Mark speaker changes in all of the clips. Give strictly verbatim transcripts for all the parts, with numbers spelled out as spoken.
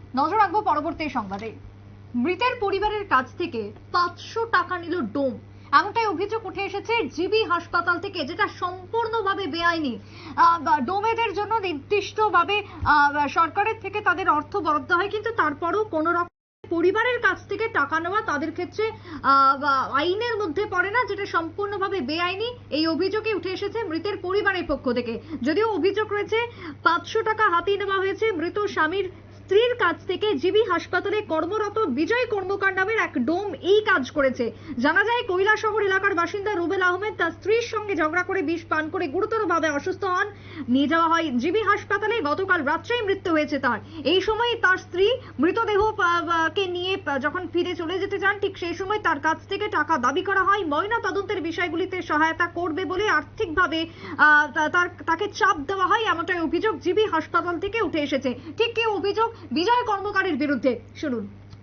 Speaker 1: নজর রাখবো পরবর্তী সংবাদে। মৃতের পরিবারের কাছ থেকে পাঁচশো টাকা নিল ডোম, এমনটাই অভিযোগ উঠে এসেছে জিবি হাসপাতাল থেকে, যেটা সম্পূর্ণভাবে বেআইনি। ডোমেদের জন্য নির্দিষ্টভাবে সরকারের থেকে তাদের অর্থ বরাদ্দ হয়, কিন্তু তারপরও কোনো রকম পরিবারের কাছ থেকে টাকা নেওয়া তাদের ক্ষেত্রে আইনের মধ্যে পড়ে না, যেটা সম্পূর্ণভাবে বেআইনি। এই অভিযোগে উঠে এসেছে মৃতের পরিবারের পক্ষ থেকে। যদিও অভিযোগ রয়েছে পাঁচশো টাকা হাতিয়ে নেওয়া হয়েছে মৃত স্বামীর স্ত্রীর কাছ থেকে। জিবি হাসপাতালে কর্মরত বিজয় কর্মকার নামের এক ডোম এই কাজ করেছে। জানা যায় কৈলাসহর এলাকার বাসিন্দা রুবেল আহমেদ তার স্ত্রীর সঙ্গে ঝগড়া করে বিষ পান করে গুরুতরভাবে অসুস্থ হন। নিয়ে যাওয়া হয় জিবি হাসপাতালে। গতকাল রাত্রেই মৃত্যু হয়েছে তার। এই সময় তার স্ত্রী মৃতদেহ কে নিয়ে যখন ফিরে চলে যেতে চান, ঠিক সেই সময় তার কাছ থেকে টাকা দাবি করা হয়। ময়না তদন্তের বিষয়গুলিতে সহায়তা করবে বলে আর্থিকভাবে তার তাকে চাপ দেওয়া হয়, এমনটাই অভিযোগ জিবি হাসপাতাল থেকে উঠে এসেছে। ঠিক কি অভিযোগ বিজয় কর্মকারের বিরুদ্ধে, শুনুন।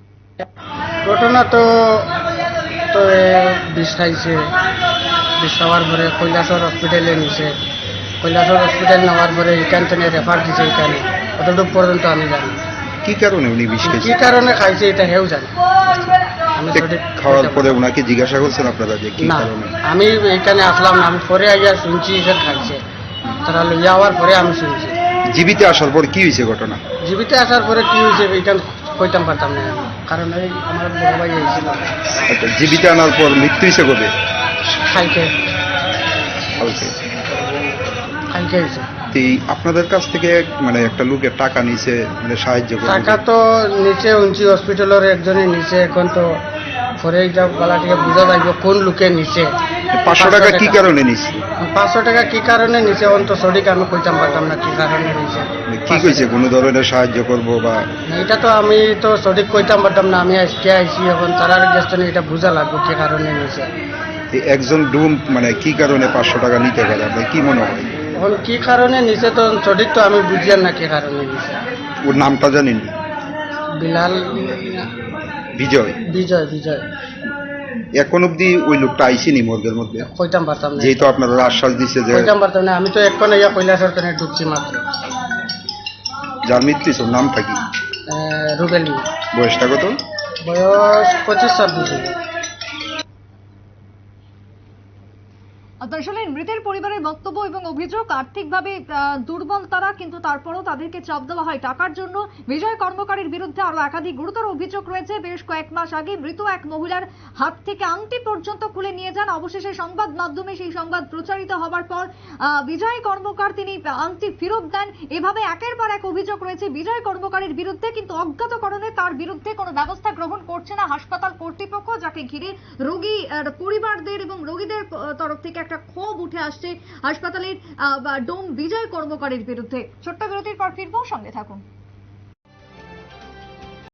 Speaker 2: ঘটনা তো তো বিষ খাইছে, বিষ খাওয়ার পরে কৈলাসর হসপিটালে নিছে। কৈলাসর হসপিটাল নেওয়ার পরে এখান থেকে রেফার দিছে। এখানে অতটুকু পর্যন্ত আমি জানি
Speaker 3: কি কারণে উনি বিষ খাইছে,
Speaker 2: কি কারণে খাইছে এটা হেউ জানি। আমি
Speaker 3: খাওয়ার পরে ওনাকে জিজ্ঞাসা করছেন আপনারা যে কি কারণে?
Speaker 2: আমি এখানে আসলাম না, আমি পরে আইয়া শুনছি যে খাইছে। তারা লইয়া আওয়ার পরে আমি শুনছি।
Speaker 3: জীবিতে আসার পর কি হয়েছে ঘটনা?
Speaker 2: জীবিতে আসার পরে কি হয়েছে এটা কইতাম পারতাম না, কারণ এই আমার বড় ভাই হয়েছিল।
Speaker 3: আচ্ছা, জীবিতে আনার পর মৃত্যু হয়েছে কবে?
Speaker 2: কালকে
Speaker 3: কালকে
Speaker 2: কালকে হয়েছে।
Speaker 3: আপনাদের কাছ থেকে মানে একটা লোকের টাকা নিছে, মানে সাহায্য করে
Speaker 2: টাকা তো নিচে উঞ্চি হসপিটালের একজনে নিচে। এখন তো পরে এইটা গলা থেকে বুঝা যাইব কোন লোকে নিচে।
Speaker 3: পাঁচশো টাকা কি কারণে নিছে?
Speaker 2: পাঁচশো টাকা কি কারণে নিচে অন তো সঠিক আমি কইতাম পারতাম না কি কারণে নিচে।
Speaker 3: কি কইছে কোনো ধরনের সাহায্য করব বা?
Speaker 2: এটা তো আমি তো সঠিক কইতাম পারতাম না, আমি আজকে আইছি। এখন তারার গেস্ট এটা বুঝা লাগবে কি কারণে নিচে।
Speaker 3: একজন ডুম মানে কি কারণে পাঁচশো টাকা নিতে পারে আপনার কি মনে হয়?
Speaker 2: এখন কি কারণে নিচে তো সঠিক তো আমি বুঝিয়ান না কি কারণে নিচে।
Speaker 3: ওর নামটা জানেন?
Speaker 2: বিলাল
Speaker 3: বিজয়
Speaker 2: বিজয় বিজয়
Speaker 3: এখন অব্দি ওই লোকটা আইসিনি মর্গের মধ্যে?
Speaker 2: কইতাম পারতাম না,
Speaker 3: যেহেতু আপনারা আশ্বাস দিচ্ছে যে
Speaker 2: কইতাম পারতাম না। আমি তো এখন ইয়া কৈলাসের কানে ঢুকছি মাত্র।
Speaker 3: যার মৃত্যু হয়েছে ওর নামটা কি?
Speaker 2: রুবেল।
Speaker 3: বয়সটা কত?
Speaker 2: বয়স পঁচিশ ছাব্বিশ।
Speaker 1: আসলে মৃতের পরিবারের বক্তব্য এবং অভিযোগ আর্থিকভাবে দুর্বল তারা, কিন্তু তারপরও তাদেরকে চাপ দেওয়া হয় টাকার জন্য। বিজয় কর্মকারের বিরুদ্ধে আরো একাধিক গুরুতর অভিযোগ রয়েছে। বেশ কয়েক মাস আগে মৃত এক মহিলার হাত থেকে আংটি পর্যন্ত খুলে নিয়ে যান। অবশেষে সংবাদ মাধ্যমে সেই সংবাদ প্রচারিত হবার পর বিজয় কর্মকার তিনি আংটি ফেরত দেন। এভাবে একের পর এক অভিযোগ রয়েছে বিজয় কর্মকারের বিরুদ্ধে, কিন্তু অজ্ঞাত কারণে তার বিরুদ্ধে কোনো ব্যবস্থা গ্রহণ করছে না হাসপাতাল কর্তৃপক্ষ, যাকে ঘিরে রোগী পরিবারদের এবং রোগীদের তরফ থেকে একটা ক্ষোভ উঠে আসছে হাসপাতালের ডোম বিজয় কর্মকারের বিরুদ্ধে। ছোট্ট বিরতির পর ফিরবো, সঙ্গে থাকুন।